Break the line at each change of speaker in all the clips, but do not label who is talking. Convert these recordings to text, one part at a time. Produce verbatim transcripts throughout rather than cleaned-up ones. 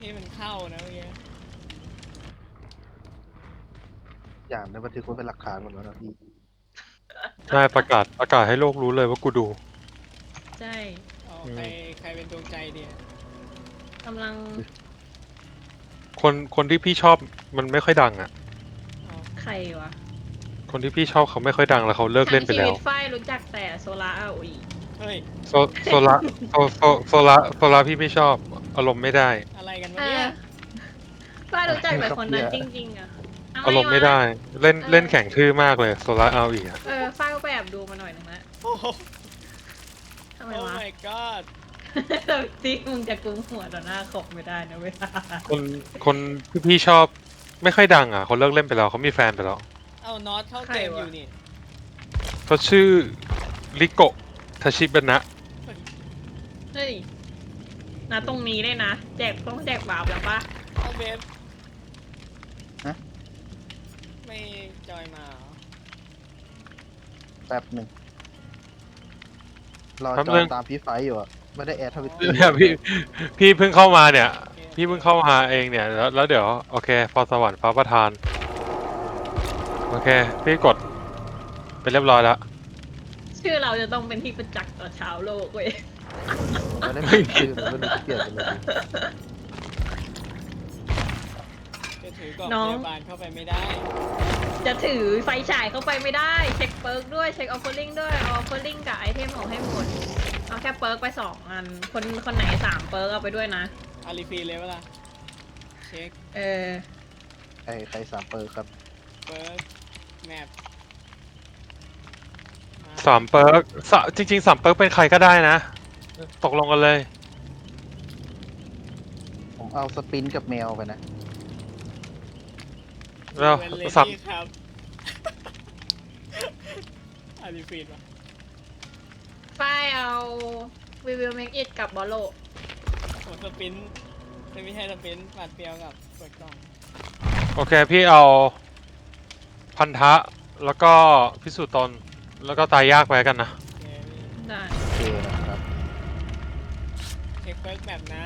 ที่มันเข้านะเมื่อกี้
อย่างในบันทึกไว้เป็นหลักฐานหมดแล้วนะพี่
ใช่ประกาศประกาศให้โลกรู้เลยว่ากูดู
ใช่
อ๋อ
อืม
ใครใครเป็นดวงใจเดีย
กำลัง
คนคนที่พี่ชอบมันไม่ค่อยดังอ่ะ
อ๋อ
ใครวะ
คนที่พี่ชอบเขาไม่ค่อยดังแล้วเขาเลิกเล่นไป
ทั้งชี
แล้
วิ
ว
ตฝ้ายรู้จักแต่โซลาร์อาอี
เฮ้ย
โซโซละโซโซโซละโซละพี่ไม่ชอบอารมณ์ไม่ได้
อะไรกันวะ
เอ
เนี่
อย ฝ้ายรู้จักแต่คนนั้นจริงๆอะทำ
อารมณ์ไม่ได้
วะ
เล่น
เออ
เล่นแข่งทื่อมากเลยโซละเอาอีกอะ
เออฝ้ายก็ไปแอบดูมาหน่อยนึงละ
โอ้โห
ทำไม
โอ้
วะ
my god
ที่มึงจะกุมหัวต่อหน้าขบไม่ได้นะเวลา
คนคนที่พี่ชอบไม่ค่อยดังอ่ะเขาเลิกเล่นไปแล้วเขามีแฟนไปแล้ว
เอาน็อตเข้าเกมอยู่นี่
เขาชื่อริโกะทาชิบะนะ
เฮ้ยนะตรงนี้เลยนะแจกต้องแจกบาปแล้วปะ
เอาเบฟ
ฮะ
ไม่จอยมาเหรอ
แป๊บหนึ่งรอจอยตามพี่ไฟอยู่อะไม่ได้แอดทวิตเตอร์
เนี่ยพี่พี่เพิ่งเข้ามาเนี่ย
โอเค
พี่เพิ่งเข้ามาเองเนี่ยแล้วแล้วเดี๋ยวโอเคพอสวรรค์ฟ้าประทานโอเคพี่กดไปเรียบร้อยแล้ว
ชื่อเราจะต้องเป็นที่ประจักษ์ต่อชาวโลกเว้ย
ไม่ได้ไม่ชื่อไม่ได้เปลี่ยนไปเลย
จะถือกล่อง
น้
พ
อง
ยาบาลเข้าไปไม่ได้
จะถือไฟฉายเข้าไปไม่ได้ เช็คเปิร์กด้วยเช็คออฟเฟอร์ลิงด้วยเอาออฟเฟอร์ลิงกับไอเทมออกให้หมดเอาแค่เปิร์กไปสองอัน คนคนไหนสามเปิร์กเอาไปด้วยนะ
อารีฟีเลยเวลาเช็ค
เออ
ใครใครสามเปอร์ครับ
เปิร์กแมป
สามเปิร์กสะจริงๆสามเปิร์กเป็นใครก็ได้นะ ตกลงกันเลย
ผมเอาสปินกับแมวไปนะ
แล้ว
เวนเล
สาม
ดี้ครับ อารีฟีวะ
ฝ้ายเอา We will make it กับบอลโล
โอ้สปินไม่ใช่สปินปาดเปรียวกับเปิดกล่อง
โอเคพี่เอาพันธะแล้วก็พิสูจน์ตนแล้วก็ตายยากไปกันนะ
โอเคพี่
ได้
โอเคนะครับ
เช็คเปิร์กแบบนะ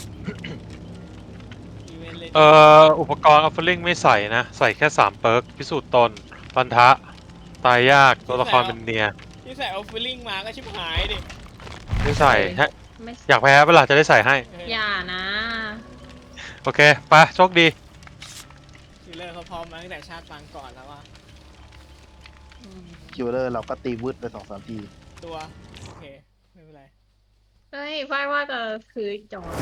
อีเวนต์เลย
เอ่ออุปกรณ์ออฟเฟอร์ลิงไม่ใส่นะ ใส่แค่สามเปิร์กพิสูจน์ตนพันธะตายยากตัวละครเป็นเนีย
ที่ใส่ออฟฟิลลิ่งมาก็ชิบหายดิ
ไม่ใส่ให้
ไม่
อยากแพ้เวลาจะได้ใส่ให้
เออ
อย่านะ
โอเคไปโชคดี
คิลเลอร์เขาพร้อมมาตั้งแต่ชาติปางก่อนแล้วว่า
อืม
คิวเลอร์เราก็ตีวืดไปสองสามที
ตัว โอเค ไม่เป็นไร
เฮ้ยฝ้ายว่าจะคือจอ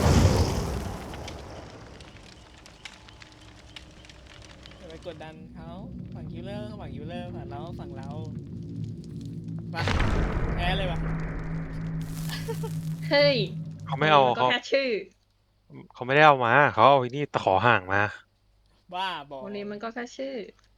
อย่าไปกดดันเขาฝั่งคิลเลอร์ฝั่งคิลเลอร์ฝั่งเราฝั่งเราไปแพ้เลยวะ
เฮ้ย
เขาไม่เอา
นก็
เขา
แค่ชื่อ
เขาไม่ได้เอามาเขาเอาไอ้นี่ตะขอห่างมา
บ้าบอก
วันนี้มันก็แค่ชื่อ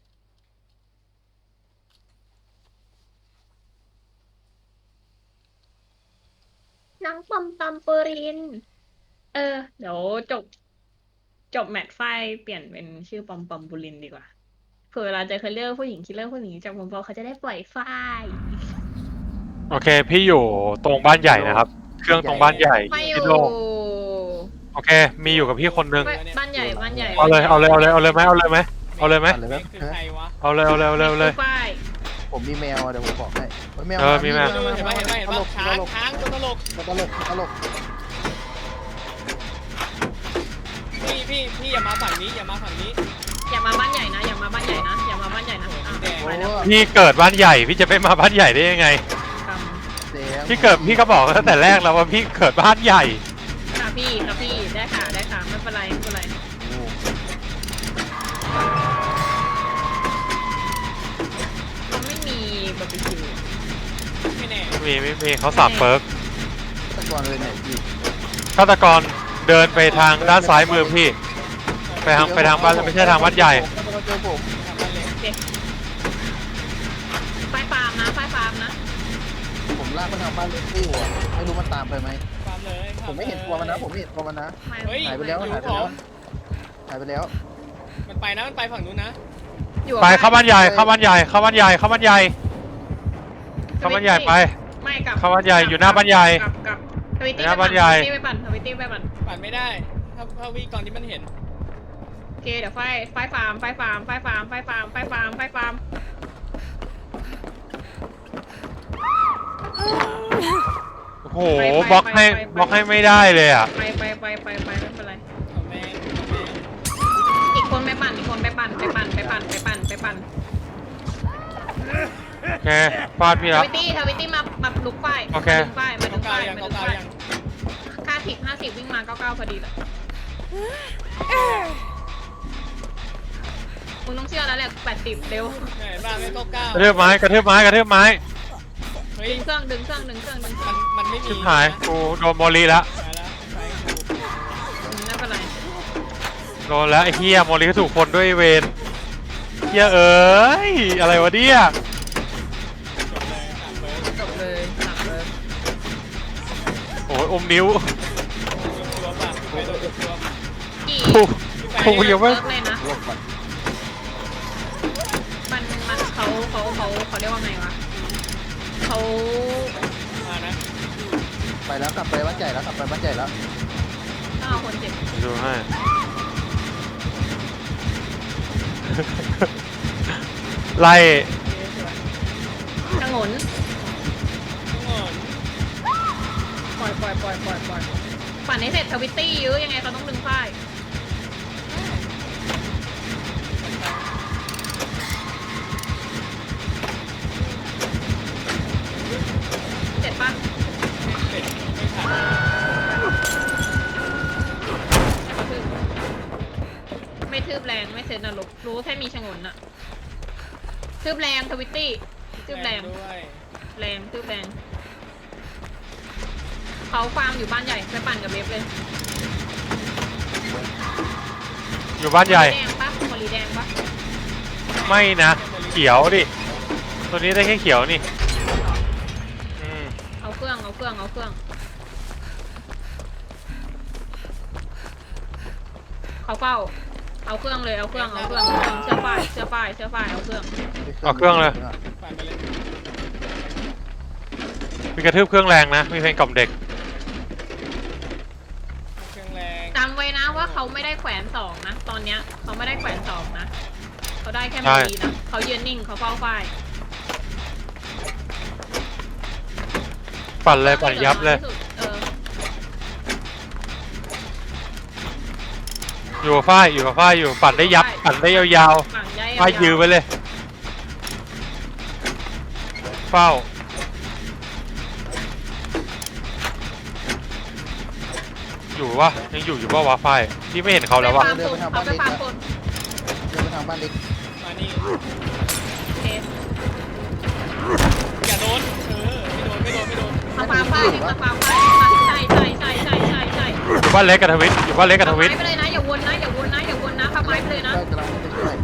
น้องปอมปอมปูริน เออ เดี๋ยวจบ จบแมตช์ไฟล์เปลี่ยนเป็นชื่อปอมปอมปูรินดีกว่า เผื่อเวลาเจอคิลเลอร์ผู้หญิงคิลเลอร์ผู้หญิงจากปอมปอมเขาจะได้ปล่อยไฟล์
โอเค พี่อยู่ตรงบ้านใหญ่นะครับ เครื่องตรงบ้านใหญ่
ไม่อยู่
ที่โล่งโอเค มีอยู่กับพี่คนนึง
ไม่บ้านใหญ่บ้านใหญ่
เอาเลยเอาเลยเอาเลยเอาเลยไหมเอาเลยไหมเอาเลยไหม
อะไร
นี่
แบบ
คือใครวะ
เอาเลยเอาเลยเอาเลยเอาเลย
ไฟล์
ผมมีแมวอะเดี๋ยวผมบอกให้เฮ้ยแมว
เออมีแมว
เห็นปะเห็นปะเห็น
ต
ปะ
ลก
ช้า
ต
ง
ลก
ช้างตัวตลก
ตลกตลก
พี่พี่พี่อย่ามาฝั่งนี้อย่ามาฝั่งนี้
อย่ามาบ้านใหญ่นะ อย่ามาบ้านใหญ่นะ อย่ามาบ้านใหญ่นะอ่ะ
แดง
ไปแล้ว
พี่เกิดบ้านใหญ่พี่จะไปมาบ้านใหญ่ได้ยังไง
ค
แดง
พี่เกิดพี่ก็บอกตั้งแต่แรกแล้วว่าพี่เกิดบ้านใหญ่
ำค่ะพี่ค่ะพี่ ได้ค่ะ ได้ค่ะ ไม่เป็นไร ไม่เป็นไร
โอ้
เขาไม่มีบาร์บีคิว
ไม่แน่
มีไม่มีเขาสามเปิร์ก
ตะกอนเลยไหนพี่
ฆาตกรเดินไปทางด้านซ้ายมือพี่ ไปทางไปทางบ้านไม่ใช่ทางวัดใหญ่
ตะกอนเจอผม
ทำอะไร
โอเคไฟฟาร์มนะ ไฟฟาร์มนะ
ผมลากมันทางบ้านเล็กที่อยู่อะไม่รู้มันตามไปไหม
ความเลย
ผมไม่เห็นตัวมันนะผมไม่เห็นตัวมันนะ
ไม่
เฮ้ย
หายไปแล้ว
อยู่
หายไป
ผ
แล้ว
ม
หายไปแล้ว
มันไปนะมันไปฝั่งนู้นนะ
อยู่
ไปเข้าบ้านใหญ่เข้าบ้านใหญ่เข้าบ้านใหญ่เข้าบ้านใหญ่เข้าบ้านใหญ่ไป
ไม่กลับ
เข้าบ้านใหญ่อยู่หน้าบ้านใหญ่
กลับกลับทวิตตี้
หน้าบ้านใหญ่
ไปปั่นทวิตตี้ไปปั่น
ปั่นไม่ได้ถ้าถาวิก่อนที่มันเห็น
โอเคเดี๋ยวไฟไฟฟาร์มไฟฟาร์มไฟฟาร์มไฟฟาร์มไฟฟาร์มไฟฟาร์ม
โอ้โหบล็อกให้บล็อกให้ไม่ได้เลยอ่ะ
ไปไปไปไปไปไม่เป็นไร
เอาแม่งเอาแม่ง
อีกคนไปปั่นอีกคนไปปั่นไปปั่นไปปั่นไปปั่นไปปั่น
โอเคฟาดพี่
ท
แล้ว
วิตตี้ทวิตตี้มามาลุกไฟ
โอเค
มาลุกไฟมาลุ
เก้าก
ไฟ
เก้ายัง
มา
เก้า
ลุก
เก้า
ไฟ
ยัง
ค่าสิบห้าสิบวิ่งมาเก้าเก้าพอดีเลยมึงต้องเชื่อแล้วแหละแปดสิบเร็ว
ไหนบ้างไม่เก้าเก้าก
ระเทืบไม้กระเทืบไม้กระเทืบไม้
เฮ้ย
ดึงเครื่องดึงเครื่องดึงเครื่องดึงเครื่
มั
อง
นมันไม่มี
ชิบหายกูโดนโมลีแล้ว
ไปแล้วไปกู
อืมไม่เป็นไร
โดนแล้วไอ้เฮียโมลีก็ถูกคนด้วยเวนเฮียเอ้ยอะไรวะเนี่ย
จบเลยสามเบิร์ด
จบเลยหนักเลย
โอ้ยอมนิ้ว
ตัวป่ะไปโดนตัว
กี่
กูกูยังไม่
เลิกเลยนะ
ลบก่อน
มันมันเขาเขาเขาเขาเรียกว่าไงวะเขา
มานะ
ไปแล้วกลับไปบ้านใหญ่แล้วกลับไปบ้านใหญ่แล้ว
ต้องเอาคนเจ็บ
ดูให้ไล่
ชะงน
ทุกคน
ปล่อยปล่อยปล่อยปล่อยปล่อยปั่นให้เสร็จทวิตตี้ยื้อยังไงเขาต้องดึงป้ายเสร็จปะ
เสร็จไม่ทัน
เขาทืบไม่ทืบแรงไม่เซ็นนรกรู้แค่มีชะงนอะทืบแรงทวิตตี้ทืบแรง
ด้วย
แรงทืบแรงเขาฟาร์มอยู่บ้านใหญ่ไปปั่นกับเบฟเลย
อยู่บ้านใหญ่
แดงปะโมลีแดงปะ
ไม่นะเขียวดิตัวนี้ได้แค่เขียวนี่อืม
เอาเครื่องเอาเครื่องเอาเครื่องเขาเฝ้าเอาเครื่องเลยเอาเครื่องเอาเครื่องเอาเครื่องเชื่อฝ่ายเชื่อฝ่ายเชื่อฝ่ายเอาเครื่อง
เอาเครื่องเลย
ปั่นไปเลย
มีกระทืบเครื่องแรงนะมีเพลงกล่อมเด็ก
เครื่องแรง
จำไว้นะว่าเขาไม่ได้แขวนสองนะตอนเนี้ยเขาไม่ได้แขวนสองนะเขาได้แค่โมลีนะเขายืนนิ่งเขาเฝ้าฝ่าย
ปั่นเลยปั่นยับเลย
เออ
อยู่กับฝ้ายอยู่กับฝ้ายอยู่ปั่นได้ยับปั่นได้ยาว
ฝั่งใหญ่
ๆฝ้ายยืนไว้เลยเฝ้าอยู่วะยังอยู่อยู่ป่าววะฝ้ายที่ไม่เห็นเขาแล้ววะ
ไปฟาร์มสุดเอาไปฟาร์มสุด
เดินไปทางบ้านเล็ก
มานี่
โอเค
อย่าโดนเออไม่โดนไม่โดนไม่โดน
เอาฟาร์มฝ่ายให้มาฟาร์มฝ่ายใช่ใช่ใช่ใช่ใช่ใช่
อยู่บ้านเล็กกับทวิตอยู่บ้านเล็กกับท
เอา
วิ
ไม้
ต
ไปเลยนะอย่าวนนะอย่าวนนะอย่าวนนะทำไม้ไปเลยนะ
ได้กำลังไปช่วย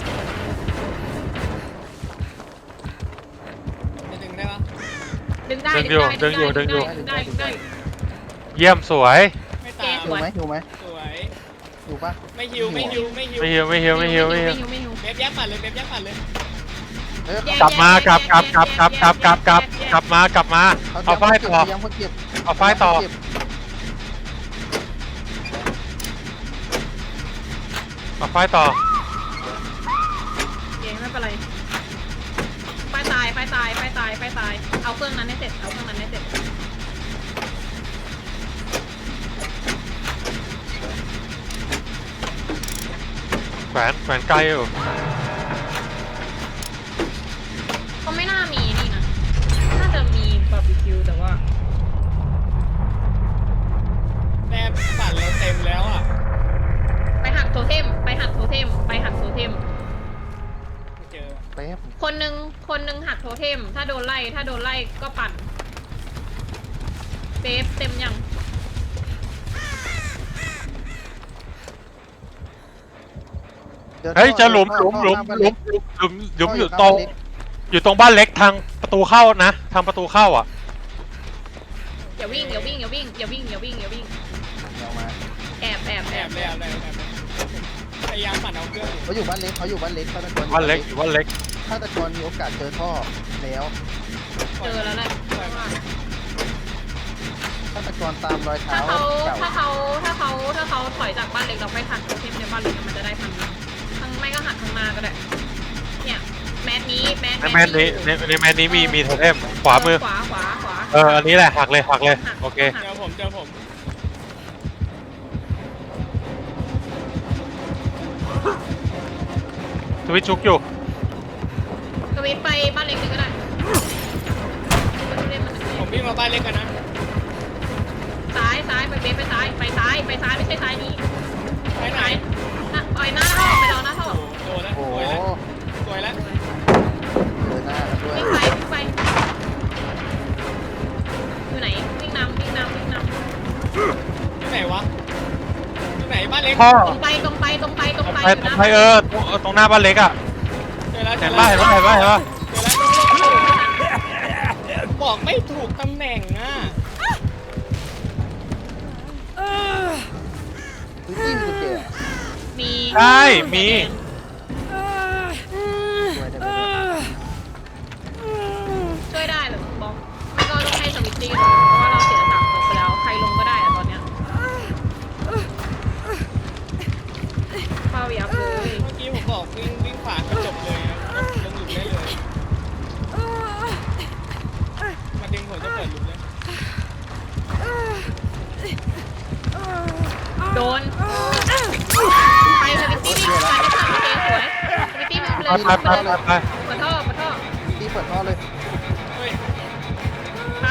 จะดึงได้ปะ
ดึงได้ดึงได้ดึงได้ดึงได้ดึงได้ดึงได้
เยี่ยมสวย
ไม่
เก
ตาม
ส
อยู่
วย
ไหมอยู่ไหม
สวย
อยู่ปะ
ไม่ฮิวไม่ฮิวไม่ฮิว
ไม่เฮียวไม่เฮียวไม่เฮียวไม่เฮียว
ไม่หิว
เบบแยกปั่นเลยเบบแยกปั่นเลย
เฮ้ย
กลับมากลับกลับกลับกลับกลับกลับกลับกลับมากลับมาเอาฝ้ายต่อ
ยังเขาเก็บ
เอาฝ้ายต่อเอาฝ้ายต่อ
เกไม่เป็นไรไฟตายไฟตายไฟตายไฟตายเอาเครื่องนั้นให้เสร็จเอาเครื่องนั้นให้เสร็จ
แขวนแขวนไกลอยู่
ก็ไม่น่ามีนี่นะน่าจะมีบาร์บีคิวแต่ว่า
แม่ปั่นเราเต็มแล้วอ่ะ
ไปหักโทเทมไปหักโทเทมไปหักโทเทม
ไม่เจอ
แป๊บ
คนหนึ่งคนหนึ่งหักโทเทม ถ้าโดนไล่ ถ้าโดนไล่ก็ปั่นเซฟเต็มยัง
เฮ้ยเจะหลุมหลุมหลุมหลุมหลุมหลุมอยู่ตรงอยู่ตรงบ้านเล็กทางประตูเข้านะทางประตูเข้าอ่ะ
อย่าวิ่งอย่าวิ่งอย่าวิ่งอย่าวิ่งอย่าวิ่งอย่าวิ่ง
เอามา
แอบแอบ
แอ
แอ
บบ เลยแอบเลยแอบเลยพยายามปั่นเอาเครื่องอยู่
เขาอยู่บ้านเล็กเขาอยู่บ้านเล็กฆาตกร
บ้านเล็กอยู่บ้านเล็ก
ฆาตกรมีโอกาสเจอท่อแล้ว
เจอแล้วแหละ
ฆาฆาตกรตามรอยเท้า
ถ้าเขา
เก่า
ถ้าเขาถ้าเขาถ้าเขาถอยจากบ้านเล็กเราไปหันโทเทมในบ้านเล็กมันจะได้ทางทางไม่ก็หันข้างหน้าก็ได้เนี่ยแมสนี้แมส
ในแมนนี้ในในแมนนี้มีมีโทเทมขวามือ
ขวาขวาขวา
เอออันนี้แหละหักเลยหักเลยโอเค
เจอผมเจอผม
สวิตช์ชุกอยู่
กวินไปบ้านเล็กเลยก็ได้มันเล่นมัน
ผมวิ่งมาบ้านเล็กกันนะ
ซ้ายซ้ายไปเบสไปซ้ายไปซ้ายไปซ้ายไม่ใช่ซ้ายนี้
ไปไหน
ซ้ายน่ะปล่อยหน้าท่อไปรอหน้าท่อ
โอ้โหโดนแล้ว
โอ้
ส
โห
วยแล้วสวยแล้ว
เจอหน้ากันด้วย
วิ่งไปวิ่งไปอยู่ไหนวิ่งนำวิ่งนำวิ่งนำ
ที่ไหนวะที่ไหนบ้านเล็ก
พ่อ
ตรงไปตรงไปตรงไปตรงไป
ไป
อยู่นะ
ไปเออตรงเออตรงหน้าบ้านเล็กอ่ะ
เจอแล้วเจ
เห็
อน แล้
ป่ะ
ว
เห็นป่ะเห็นป่ะเห็นป่ะ
เจอแล้วบอกไม่ถูกตำแหน่งอ่ะ
คือจิ้มกุญแจ
มี
ใช่มี
ช่วยได้ไหมเนี่ย
ช่วยได้เหรอบอกไม่ก็ต้องให้สวิตตี้เพราะว่าเราเสียสามตัวไปแล้วใครลงก็ได้อะตอนเนี้ยเฝ้ายับเลย
เมื่อกี้ผมบอกวิ่งวิ่งขวาก็จบเลยอะลงหลุมได้เลยมาดึงผมจะเปิดหลุมเลย
โดนไปสวิตตี้วิ่งไปได้ค่ะโอเคสวยสวิตตี้วิ่งไปเลย
ไปไปไปไป
เปิดท่อเปิดท่อ
ตีเปิดท่อเลย
เฮ้ย
ครับ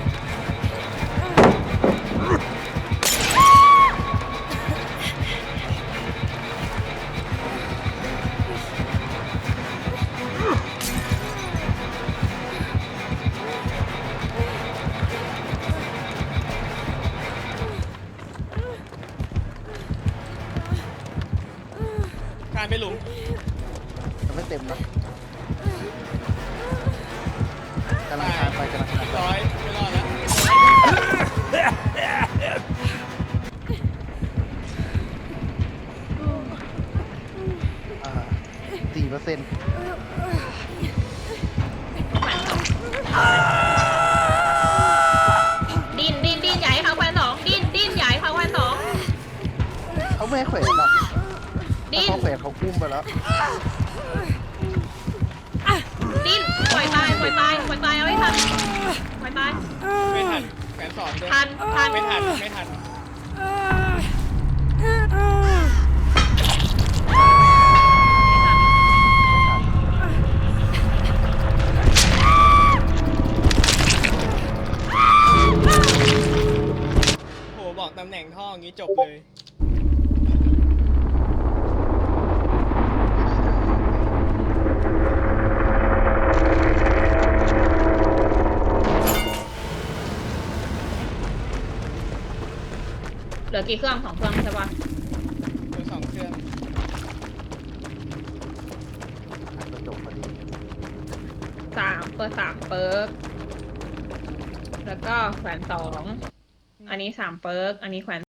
การไปหลุม
มันไม่เต็มนะกำลังคานไปกำลังคานไป
ร้อยไม่รอดแล้ว
อ่าสี่เปอร์เซ็นต์
ดินดินดินใหญ่เขาแควนสองดินดินใหญ่เขาแควนสอง
เขาไม่ให้แขวนหรอก
ดิ
ถ้าน เขาแขวนเขาคุ้มไปแล้ว
ดินปล่อยตายปล่อยตายปล่อยตายเอาไว้ทันปล่อยตาย
ไม่ทันแขนสอนด้วย
ทันทัน
ไม่ทันไม่ทันโหบอกตำแหน่งท่ออย่างนี้จบเลย
เหลือกี่เครื่องสองเครื่องใช่ปะ
ตัวสองเครื่อง
กระจกพอดี
สามเปิดสามเปิร์กแล้วก็แขวนสองอันนี้สามเปิร์กอันนี้แขวน